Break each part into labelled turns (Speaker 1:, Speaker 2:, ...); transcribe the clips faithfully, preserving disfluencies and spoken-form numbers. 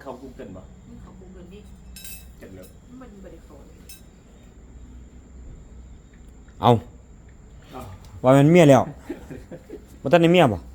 Speaker 1: เข้า Google บ่
Speaker 2: มึงเข้า Google ดิ
Speaker 1: จังเลย
Speaker 2: มันบ่ได้เข้าเลย
Speaker 3: เอาว่ามันเมียแล้วบ่ทันได้เมียบ่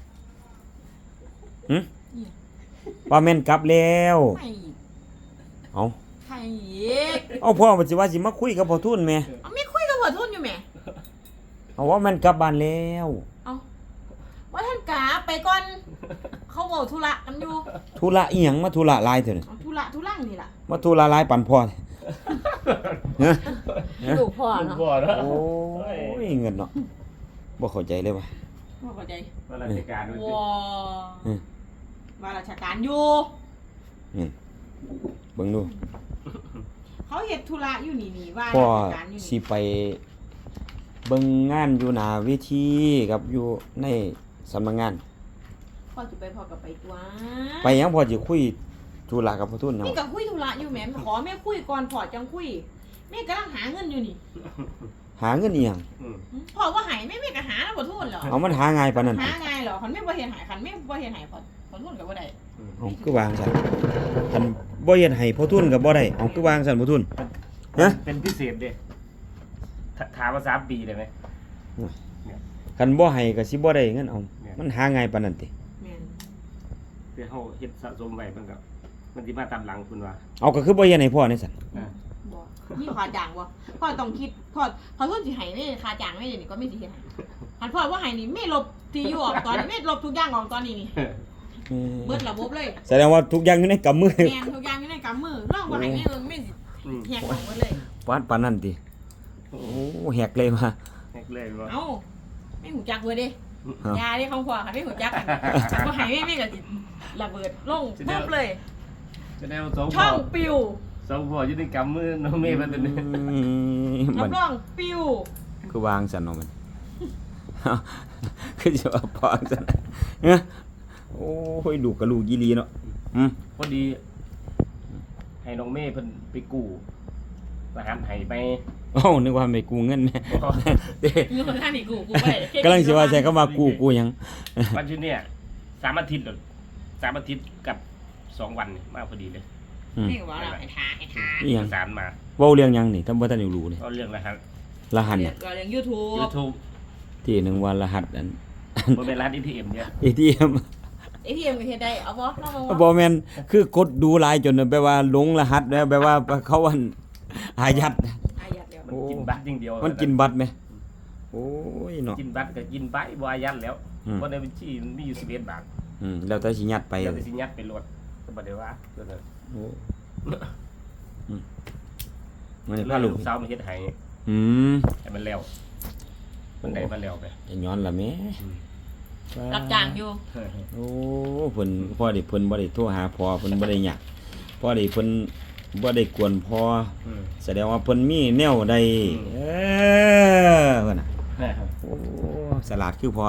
Speaker 3: หึว่าแม่นกลับแล้ว
Speaker 2: ไม่
Speaker 3: เอา
Speaker 2: ใครอีก
Speaker 3: เอาพ่อว่าสิว่าสิมาคุยกับพ่อทุนแม่
Speaker 2: เอาไม่คุยกับพ่อทุนอยู่แหม
Speaker 3: เอาว่าแม่นกลับบ้านแล้ว
Speaker 2: เอาว่าท่านกาไปก่อนเขาเว้าธุระกันอยู่
Speaker 3: ธุระอีหยังมาธุระหลายเถอะนี่
Speaker 2: ธุระธุรังนี่ล่ะ
Speaker 3: มาธุระหลายปานพ่อฮะ
Speaker 2: ลูกพ่อเนาะ
Speaker 1: พ่อเนาะ
Speaker 3: โอ้ยเงินเนาะบ่เข้าใจเลยว่ะ
Speaker 2: บ่เข้าใจ
Speaker 1: ว่าราชการด้วยสิ
Speaker 2: ว้าว่าราชการอยู่
Speaker 3: นี่เบิ่งดู
Speaker 2: เขาเฮ็ดธุระอยู่นี่นี่ว่า
Speaker 3: พ่อ
Speaker 2: ราชการอยู่
Speaker 3: สิ
Speaker 2: นี่
Speaker 3: ไปเบิ่งงานอยู่หน้าเวทีกับอยู่ในสำนักงาน
Speaker 2: พ่อสิไปพ่อก็ไปตัว
Speaker 3: ไปหยังพ่อสิคุยธุระกับพ่อทุนหยัง
Speaker 2: นี่ก็คุยธุระอยู่แหมขอแม่คุยก่อนพ่อจังคุยแม่กำลังหาเงินอยู่นี่
Speaker 3: หาเงินอีหยัง
Speaker 2: พ่อว่าให้แม่แม่ก็หาแล้วบ่ทุนเหรอ
Speaker 3: เอามันหาง่ายปานนั้น
Speaker 2: หาง่ายเหรอคันแม่บ่เฮ็ดให้คันแม่บ่เฮ็ดให้พ่อพ่อทุนก็บ่ได้
Speaker 3: เอ้าคือวางซั่นคันบ่เฮ็ดให้พ่อทุนก็บ่ได้เอ้าคือวางซั่นพ่อทุนฮะ
Speaker 1: เป็นพิเศษเด้ถามว่าสามปีได้มั้ย
Speaker 3: คันบ่ให้ก็สิบ่ได้เงินเอามันหาง่ายปานนั้นติ
Speaker 2: แม่น
Speaker 1: แต่เฮาเฮ็ดสะสมไว้มันก็มันสิมาตามหลังคุณว่า
Speaker 3: เอาก็คือบ่เฮ็ดให้พ่อนี่ซั่น
Speaker 2: บ่มีค่าจ้างบ่พ่อต้องคิดพ่อพ่อทุนสิให้แม่ค่าจ้างแม่นี่ก็ไม่สิเฮ็ดให้คันพ่อว่าให้นี่แม่ลบที่อยู่ออกตอนนี้แม่ลบทุกอย่างออกตอนนี้นี่เบิดระบบเลย
Speaker 3: แสดงว่าทุกอย่างอยู่ในกำมือ
Speaker 2: แม่นทุกอย่างอยู่ในกำมือลองบ่ให้แม่เบิ่งแม่สิแหกออกหมดเลย
Speaker 3: ปานปานนั้นติโอ้แหกเลยมา
Speaker 1: แหกเลยบ่
Speaker 2: เอ้าแม่หูจักเบิดเด้ยาเด้ของพ่อค่ะแม่หูจักกันบ่ให้แม่แม่ก็สิระเบิดลงปุ๊บเลย
Speaker 1: จะได้เอาสอง
Speaker 2: ช่องปิว
Speaker 1: สองพ่ออยู่ในกำมือน้องเมย์มันตัวนี้
Speaker 2: รับรองปิว
Speaker 3: คือวางซั่นเนาะมันคือสิว่าพอซั่นเนาะโอ้ยลูกกับลูกอีหลีเนาะอืม
Speaker 1: พอดีให้น้องเมย์เพิ่นไปกู้ทหารไห้ไป
Speaker 3: อ้าวนึกว่าไปกู้เงินแม่
Speaker 2: เงินท่านนี่กู้กู้บ่ได้
Speaker 3: กำลังสิว่าใช้คำว่ากู้กู้หยัง
Speaker 1: วันที่เนี่ยสามอาทิตย์แล้วสามอาทิตย์กับสองวันนี่มาพอดีเลย
Speaker 2: นี่ว่าเราให้ทาให้ทา
Speaker 3: อีหยัง
Speaker 1: สารมา
Speaker 3: เว้าเรื่องหยังนี่ทำบ่ทันได้รู้นี่
Speaker 1: ก็เรื่องรหัส
Speaker 3: รหัสเนี่ย
Speaker 2: ก็เรื่อง YouTube
Speaker 1: YouTube
Speaker 3: ที่หนึ่งว่ารหัสอัน
Speaker 1: บ่แม่นรหัส เอ ที เอ็ม เนี่ย
Speaker 3: เอ ที เอ็ม
Speaker 2: เอ ที เอ็ม ก็เฮ็ดได้เอาบ่ลองมา
Speaker 3: บ่แม่นคือกดดูหลายจนแปลว่าหลงรหัสแล้วแปลว่าเขาอันอายัด
Speaker 2: อายัดแล้ว
Speaker 1: มันกินบัตรอย่างเดียว
Speaker 3: มันกินบัตรมั้ยโอ้ยเนาะ
Speaker 1: กินบัตรก็กินไปบ่อายัดแล้วบ่ในบัญชีมีอยู่สิบเอ็ดบาท
Speaker 3: อืมแล้วแต่สิยัดไป
Speaker 1: แล้วแต่สิยัดไปโหลดก็บ่ได้ว่าเด้อ
Speaker 3: โอ้อืมมั
Speaker 1: นพาลูกสาวมาเฮ็ดให้
Speaker 3: อืม
Speaker 1: ให้มันแล้วมันได้มาแล้วไป
Speaker 3: จะย้อนล่ะแม่
Speaker 2: รับจ้างอยู่
Speaker 3: โอ้เพิ่นพอได้เพิ่นบ่ได้โทรหาพ่อเพิ่นบ่ได้หยังพอได้เพิ่นบ่ได้กวนพ่อแสดงว่าเพิ่นมีแนวใดเออเพิ่นน่ะโอ้ฉลาดคือพ่อ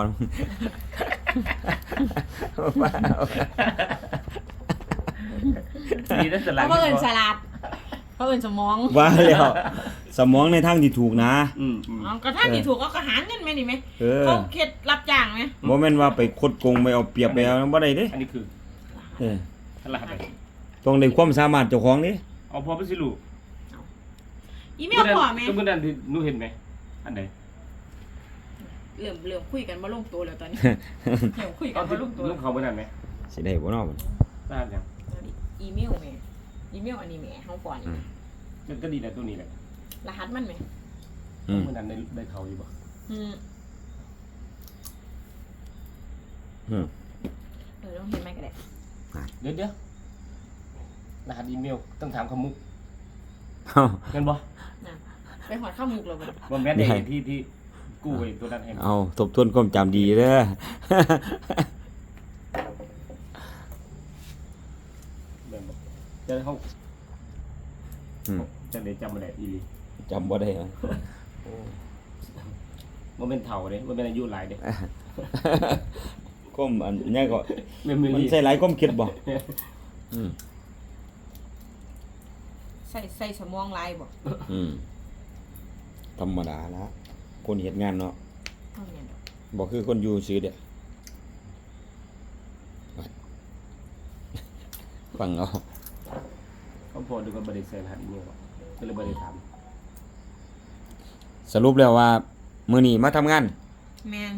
Speaker 1: ดีนะฉลาด
Speaker 2: เพราะเอิ้นฉลาดเพราะเอิ้นสมอง
Speaker 3: ว่าแล้วสมองในทางที่ถูกนะ
Speaker 1: อืม
Speaker 2: อ๋อก็ทางที่ถูกก็หาเงินแม่นี่แม่เขาเฮ็ดรับจ้างแม่
Speaker 3: บ่แม่นว่าไปคดโกงไปเอาเปรียบไปเอาบ่ได้เด้
Speaker 1: อันนี้คือ
Speaker 3: เออ
Speaker 1: รหัส
Speaker 3: ต้องได้ความสามารถเจ้าของเด้
Speaker 1: เอาพอไปสิลูก
Speaker 2: อีเมลพ่อแม่
Speaker 1: ก็มื้อนั้นที่หนูเห็นมั้ยอันใด
Speaker 2: เริ่มเริ่มคุยกันบ่ลงตัวแล้วตอนนี้เริ่มคุยกันบ่ลงตัว
Speaker 1: ลูกเขามื้อนั้นมั้ย
Speaker 3: สิได้บ่เนาะมัน
Speaker 1: รหัสหยัง
Speaker 2: อีเมลแม่อีเมลอันนี้แม่เฮาก่อนนี่
Speaker 1: มันก็ดีแหละตัวนี้แหละ
Speaker 2: รหัสมันแม่
Speaker 1: อืมมื้อนั้นได้ได้เขาอยู่บ่
Speaker 2: อืม
Speaker 3: อืม
Speaker 2: เออต้องเห็นไหมก็ได้
Speaker 1: เดี๋ยวๆรหัสอีเมลต้องถามคำมุกเงินบ่
Speaker 2: น่ะไปหอดข้าวมุกแล้วบ่
Speaker 1: บ่แม่นได้ที่ที่กู้ไว้ตัวนั้นให้
Speaker 3: เอาทบทวนความจำดีเด้อ
Speaker 1: เบิ่งบ่จะเฮาอืมจังได๋จำบ่ได้อีหลี
Speaker 3: จำบ่ได้โอ้
Speaker 1: บ่แม่นเฒ่าเด้บ่แม่นอายุหลายเด้
Speaker 3: ก้มอันนี้ก็
Speaker 1: มัน
Speaker 3: ใส่หลายก้มคิดบ่อืม
Speaker 2: ใส่ใส่สมองหลายบ่
Speaker 3: อืมธรรมดาละคนเฮ็ดงานเนาะบ่คือคนอยู่ซื่อเด้อฟังเอา
Speaker 1: เขาพอดูกับบริษัทหัดอีเมลก็เลยบริษัท
Speaker 3: สรุปแล้วว่ามื้อนี้มาทำงาน
Speaker 2: แมน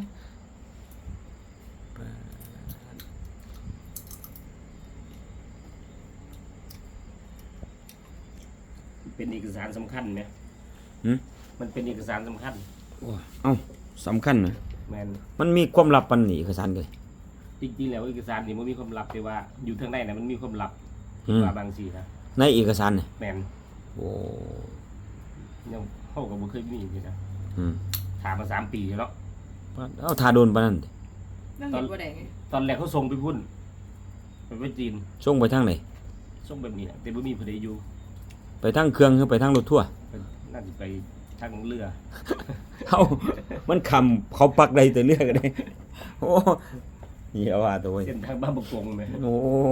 Speaker 1: เป็นเอกสารสำคัญไหม
Speaker 3: หืม
Speaker 1: มันเป็นเอกสารสำคัญ
Speaker 3: เอ้าสำคัญนะ
Speaker 1: แมน
Speaker 3: มันมีความลับปานนี้เอกสารเลย
Speaker 1: จริงๆแล้วเอกสารนี่มันมีความลับแต่ว่าอยู่ทางในนะมันมีความลับ
Speaker 3: อืม
Speaker 1: ว่าบางสีนะ
Speaker 3: ในเอกสารน่ะ
Speaker 1: แมน
Speaker 3: โอ้
Speaker 1: ยังเข้ากับบุเคยมีอยู่นะ
Speaker 3: อืม
Speaker 1: ถามมาสามปีแล้ว
Speaker 3: เอาทาโดนปานนั้นติ
Speaker 2: เรื่องเห็นบ่ได้ไง
Speaker 1: ตอนแรกเขาส่งไปพุ่นไปไปจีน
Speaker 3: ส่งไปทางไหน
Speaker 1: ส่งแบบนี้นะแต่บ่มีผู้ใดอยู่
Speaker 3: ไปทางเครื่องหรือไปทางรถทั่วร์
Speaker 1: ไปน่าจะไปทางเรือ
Speaker 3: เอ้ามันคำเขาปักใดแต่เลือกก็ได้โอ้เหี้ยว่าตัวเว้ย
Speaker 1: เส้นทางบ้านบกงไหม
Speaker 3: โอ้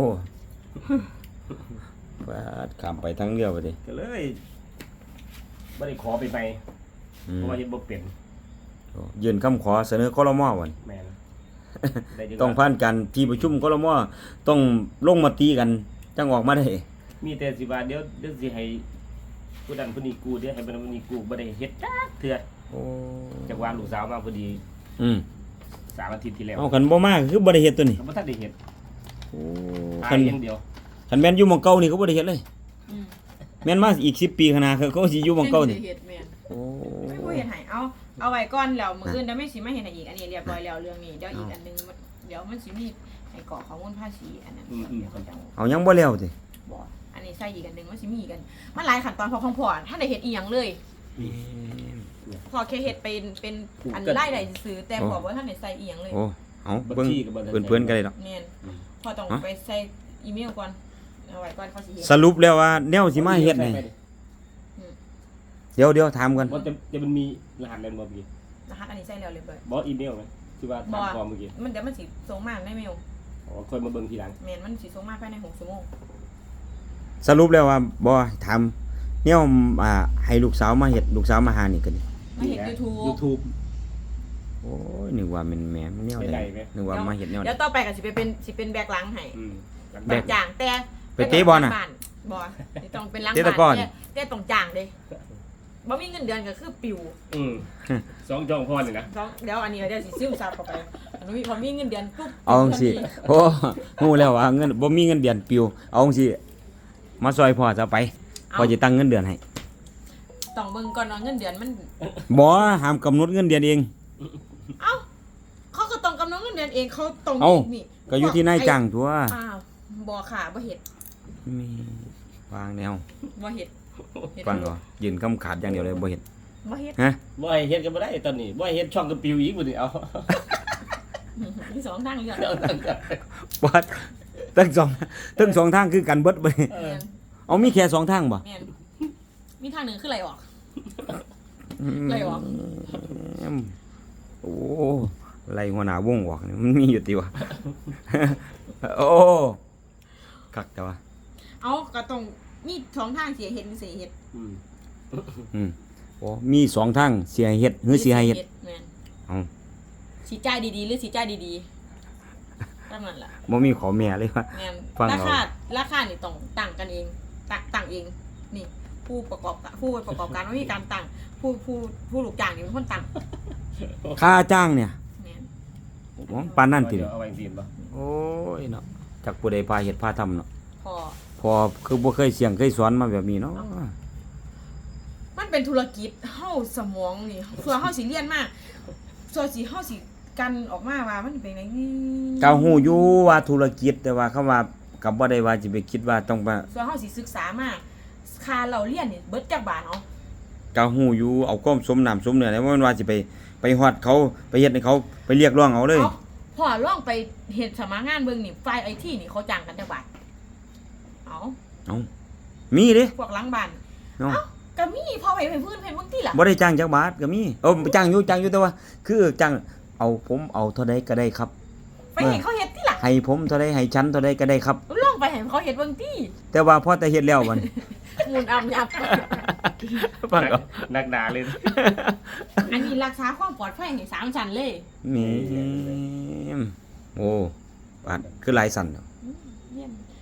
Speaker 3: ปาดข้ามไปทางเรือไปดิ
Speaker 1: ก็เลยไม่ได้ขอไปไป
Speaker 3: อื
Speaker 1: เพ
Speaker 3: ม
Speaker 1: ราะว่ายังบ่เปลี่ยน
Speaker 3: ยื่นคำขอเสนอครมวัน
Speaker 1: แมนได้จั
Speaker 3: ต้อง
Speaker 1: ว่า
Speaker 3: ผ่านการที่ประชุมครมต้องลงมติกันจังออกมาได้
Speaker 1: มีแต่สิว่าเดี๋ยวเดี๋ยวสิให้ผู้นั้นผู้นี้กู้เดี๋ยวให้ผู้นั้นผู้นี้กู้บ่ได้เฮ็ดจักเทื่อ
Speaker 3: โอ้
Speaker 1: จากว่าลูกสาวมาพอดี
Speaker 3: อืม
Speaker 1: สามอาทิตย์ที่แล้ว
Speaker 3: เอาคันบ่มากคือบ่ได้เฮ็ดตัวนี้
Speaker 1: ก็บ่ทันได้เฮ็ด
Speaker 3: โอ้
Speaker 1: ขา
Speaker 3: คั
Speaker 1: ย
Speaker 3: น
Speaker 1: อย่างเดียว
Speaker 3: คันแม่นอยู่หม่องเก่านี่ก็บ่ได้เฮ็ดเลย
Speaker 2: อืม
Speaker 3: แม่นมาอีกสิบปีข้างหน้าเขาก็สิอยู่หม่องเก่านี่
Speaker 2: เฮ็ดแม่น
Speaker 3: โอ้
Speaker 2: ไม่พูดเห็นไหเอาเอาไว้ก่อนแล้วมืออื่นเดี๋ยวไม่สิมาเห็นอีกอันนี้เรียบร้อยแล้วเรื่องนี้เดี๋ยวอีกอันนึงมันเดี๋ยวมันสิมีให้กรอกข้อมูลภาษีอันนั้นเดี๋ยวเขาจะ
Speaker 3: เอายังบ่แล้วติ
Speaker 2: บอกอันนี้ใส่อีกอันนึงมันสิมีอีกอันมันหลายขั้นตอนพอของพ่อถ้าได้เฮ็ดอีหยังเลยพอแค่เฮ็ดเป็นเป็นอันไล่ได้ซื้อแต่บอกว่าท่านได้ใส่อีหยังเลย
Speaker 3: โอ้เอา
Speaker 1: บัญ
Speaker 3: เบิ่ง
Speaker 1: ชีก็บ่ได้
Speaker 3: เพื่อนๆกันเลยดอก
Speaker 2: แม่นพอต้องไปใส่อีเมลก่อนเอาไว้ก่อนเขาสิเฮ็ด
Speaker 3: สรุปแล้วว่าแนวสิมาเฮ็ดนี่เดี๋ยวเดี๋ยวถามกัน
Speaker 1: บ่จะจะมันมีรหัสอะไรบ่พี่
Speaker 2: รหัสอันนี้ใส่แล้วเรียบร้อย
Speaker 1: บ่อีเมลไหมที่ว่าถามพอเมื่อกี้
Speaker 2: มันเดี๋ยวมันสิส่งมาในเมล
Speaker 1: อ๋อค่อยมาเบิ่งทีหลัง
Speaker 2: แม่นมันสิส่งมาภายในหกชั่วโมง
Speaker 3: สรุปแล้วว่าบ่ถามแนวอ่าให้ลูกสาวมาเฮ็ดลูกสาวมาหานี่ก็ดี
Speaker 2: มาเห็น YouTube
Speaker 1: YouTube
Speaker 3: โอ้ยนึกว่ามันแหม่แนว
Speaker 1: ไม่
Speaker 3: ใด
Speaker 1: ได้ไหม
Speaker 3: นึกว่ามาเฮ็ดแนวใด
Speaker 2: เดี๋ยวต่อไปก็สิไปเป็นสิเป็นแบกหลังให้
Speaker 1: อืม
Speaker 3: แบก
Speaker 2: จ่างแต่
Speaker 3: ไปเตะบอลน่ะ
Speaker 2: บอลนี่ต้องเป็นหลัง
Speaker 3: เตะตะกร้อน
Speaker 2: แต่แต่ต้องจ่างเด้บ่มีเงินเดือนก็คือปิว
Speaker 1: อืมสองจองพรนี่นะ
Speaker 2: ต้องเดี๋ยวอันนี้เดี๋ยวสิซึมซับเข้าไปอันนี้พอมีเงินเดือนปุ๊บ
Speaker 3: เอาจังซี่โอ้ฮู้แล้วว่าเงินบ่มีเงินเดือนปิวเอาจังซี่มาซอยพ่อจะไปพ่อจะตั้งเงินเดือนให้
Speaker 2: ต้องเบิ่งก่อนว่าเงินเดือนมัน
Speaker 3: บ่ห้ามกำหนดเงินเดือนเอง
Speaker 2: เอ้าเขาก็ต้องกำหนดเงินเดือนเองเขาต้อง
Speaker 3: เอ้า
Speaker 2: นี่
Speaker 3: ก็อยู่ที่นายจ้างตัว
Speaker 2: อ้าวบ่ค่ะบ่เฮ็ด
Speaker 3: มีวางแนว
Speaker 2: บ่เฮ็ดเฮ็ด
Speaker 3: ฟังก่อนยืนคำขาดอย่างเดียวเลยบ่เฮ็ด
Speaker 2: บ่เฮ็ด
Speaker 3: ฮะ
Speaker 1: บ่ให้เฮ็ดก็บ่ได้ตอนนี้บ่ให้เฮ็ดช่องกับปิวอีกบ่ดิเอา
Speaker 2: มีสองทางเลือก
Speaker 1: เอาตั้งกัน
Speaker 3: บ่ทั้งสองทั้งสองทางคือกันเบิดบ่
Speaker 1: เออ
Speaker 2: แม่น
Speaker 3: เอามีแค่สองทางบ่
Speaker 2: แม่นมีทางหนึงคือไหลออก ไล่ออก
Speaker 3: อืมโอ้ไล่หัวหน้าวงออกนี่มันมีอยู่ติวะ โอ้คักแต่ว่า
Speaker 2: เอาก็ต้องมีสองทางเสียเฮ็ดหรือเสียเฮ็ด
Speaker 1: อืม
Speaker 3: อืมโอ้มีสองทางเสียเฮ็ดหรือเสียเฮ็ด
Speaker 2: แม่น
Speaker 3: เอา
Speaker 2: สีจ่ายดีๆหรือสีจ่ายดีๆตั้งนั้นล่ะ
Speaker 3: บ่มีขอแม่เลยว่า
Speaker 2: แม่น
Speaker 3: ฟัง
Speaker 2: รา
Speaker 3: เอา
Speaker 2: คาราคานี่ต้องตั้งกันเองตั้งตั้งเอง นี่ ผู้ประกอบการผู้ประกอบการไม่มีการตั้งผู้ผู้ผู้ลูกจ้างนี่เป็นคนตั้ง
Speaker 3: ค่าจ้างเนี่ย
Speaker 2: แม่น
Speaker 3: โอ้ปานนั้นติ
Speaker 1: เดี๋ยวเอาไว้ซีนบ่
Speaker 3: โอ้ยเนาะจักผู้ใดพาเฮ็ดพาทำเนาะ
Speaker 2: พอ
Speaker 3: พอคือบ่เคยเสียงเคยสอนมาแบบนี้เนาะ
Speaker 2: มันเป็นธุรกิจเฮาสมองนี่เพื่อเฮาสิเรียนมาส่วนสิเฮาสิกันออกมาว่ามันเป็นไงนี่
Speaker 3: ก็ฮู้อยู่ว่าธุรกิจแต่ว่าคำว่าก็บ่ได้ว่าสิไปคิดว่าต้องมา
Speaker 2: ส่วนเฮาสิศึกษามาค่าเราเรียนนี่เบิดจักบาทเนาะ
Speaker 3: ก็ฮู้อยู่เอาความสมน้ำสมเนื้อแล้วบ่แม่นว่าสิไปไปฮอดเขาไปเฮ็ดให้เขาไปเรียกร้องเอาเลย
Speaker 2: เอาพอลองไปเฮ็ดสมัครงานเบิ่งนี่ฝ่าย ไอ ที นี่เขาจ้างกันจักบาทเอา
Speaker 3: เอ้ามีเด้
Speaker 2: พวกหลังบ้าน
Speaker 3: เนาะ
Speaker 2: เอ้าก็มีพอไปเป็นพื้นเป็นบางทีล่ะ
Speaker 3: บ่ได้จ้างจักบาทก็มีเออจ้างอยู่จ้างอยู่แต่ว่า คือจ้างเอาผมเอาเท่าใดก็ได้ครับ
Speaker 2: ไปเห็นเขาเฮ็ดที่ล่ะ
Speaker 3: ให้ผมเท่าใดให้ฉันเท่าใดก็ได้ครับ
Speaker 2: ลองไปเห็นเขาเฮ็ดบางที
Speaker 3: แต่ว่าพอแต่เฮ็ดแล้วมัน
Speaker 2: มูลอำยับ
Speaker 3: ฟังเอา
Speaker 1: นักด่าเลย
Speaker 2: อันนี้รักษาความปลอดภัยให้สามชั้นเลย
Speaker 3: แม่มโอ้บาดคือหลายสั่นเนาะ
Speaker 2: อืมเยี่ยม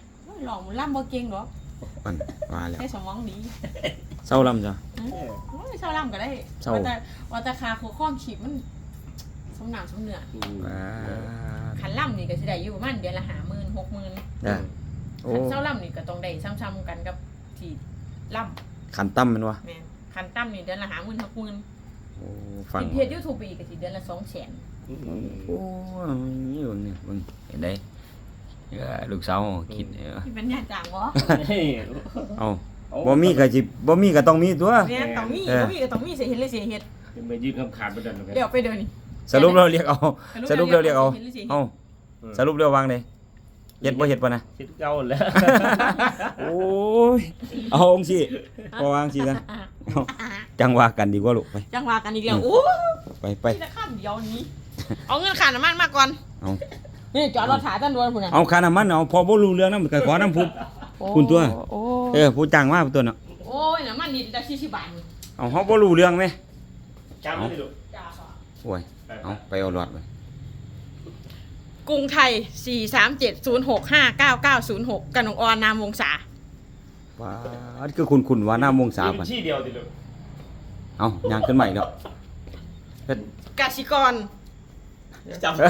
Speaker 2: หลองล่ำบ่เก่งหรอก
Speaker 3: มันว่าแล้ว
Speaker 2: ให้สมองดี
Speaker 3: เศร้าลำจ้ะ
Speaker 2: โอ้ยเศร้าล่ำก็ได้
Speaker 3: เศร้า
Speaker 2: ว่าแต่ว่าแต่คาโคข้องขีดมันสมน้ำสมเนื้อ
Speaker 1: อืม
Speaker 3: ว้า
Speaker 2: ขันล่ำนี่ก็สิได้อยู่ประมาณเดือนละห้าหมื่นหกหมื่น
Speaker 3: เด้อโอ้
Speaker 2: ขันเศร้าล่ำนี่ก็ต้องได้ซ้ำๆกันกับที่ล่
Speaker 3: ขันตั้มแมันวะ
Speaker 2: ำแม่นขันต่ำนี่เดือนละห้าหมื่นหกหมื่น
Speaker 3: โอ้ฟัง
Speaker 2: กินเพจยูทูบไปอีกก็สิเดือนละสองแสน
Speaker 1: อืม
Speaker 3: โอ้ยเบิ่งนี่เบิ่งเห็นได้เออลูกสาวคิดเออ
Speaker 2: ที่เป็นญาติจางบ่
Speaker 1: เฮ้ย
Speaker 3: เอาบ่มีก็สิบ่มีก็ต้องมีตัว
Speaker 2: แม่นต้องมี
Speaker 3: เออ
Speaker 2: บ่มีก็ต้องมีเสียเฮ็ดเลยเสียเฮ็ด
Speaker 1: ไปยืนคำขาดไปดันกัน
Speaker 2: เดี๋ยวไปเดี๋ยวนี้
Speaker 3: สรุปเราเรียกเอาสรุปเราเรียกเอาเอาสรุปเราวางเลยเฮ็ดบ่เฮ็ดปะนะ
Speaker 1: คิดเก่าแล้ว
Speaker 3: โอ้ยเอาองค์สิพอวางสิซะเอาจังว่ากันดีกว่าลูกไป
Speaker 2: จังว่ากันอีกแล้วโอ้
Speaker 3: ไปไป
Speaker 2: ที่จะข้ามเดียวนี้ เอาเงินค่าน้ำมันมาก่อน
Speaker 3: เอา
Speaker 2: นี่จอดรถถ่ายต้นดวนพุ่นน่ะ
Speaker 3: เอาค่าน้ำมันเอาพอบ่รู้เรื่องนำก็ขอน้ำพุ คุณตัว
Speaker 2: โอ้
Speaker 3: เออผู้จ้างมาผู้ตัวเนาะ
Speaker 2: โอ้ยน้ำมันนี่จะสี่สิบบาทนี่
Speaker 3: เอาเฮาบ่รู้เรื่องไหม
Speaker 1: จำไม่ได้ลูก
Speaker 2: จ้าค่ะ
Speaker 3: โอ้ยเอาไปเอาหลอดไป
Speaker 2: กรุงไทย สี่ สาม เจ็ด ศูนย์ หก ห้า เก้า เก้า ศูนย์ หก กนกออนนามวงศา
Speaker 3: ว้าดคือคุณคุณว่าหน้ามงสา
Speaker 1: มี
Speaker 3: ปัน
Speaker 1: ที่เดียวติลูก
Speaker 3: เอายางขึ้นใหม่แล้วเฮ็ด
Speaker 2: กสิกร
Speaker 1: จำ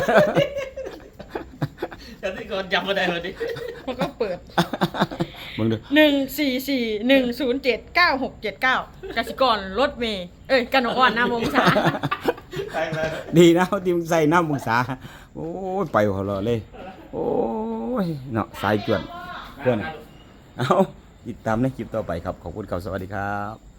Speaker 1: จำที่ก่อนจำไม่ได้เลยดิ
Speaker 2: มันก็เปิด
Speaker 3: มึงดู
Speaker 2: หนึ่ง สี่ สี่ หนึ่ง ศูนย์ เจ็ด เก้า หก เจ็ด เก้ากสิกรรถเมย์เอ้ยกนกออนนามวงศา
Speaker 1: ใช่แล้ว
Speaker 3: ดีนะที่มึงใส่น้ำมงสาโอ้ยไปหัวเราะเลย โอ้ยเนาะสายจวนเพื่อนเอาติดตามในคลิปต่อไปครับ ขอบคุณครับสวัสดีครับ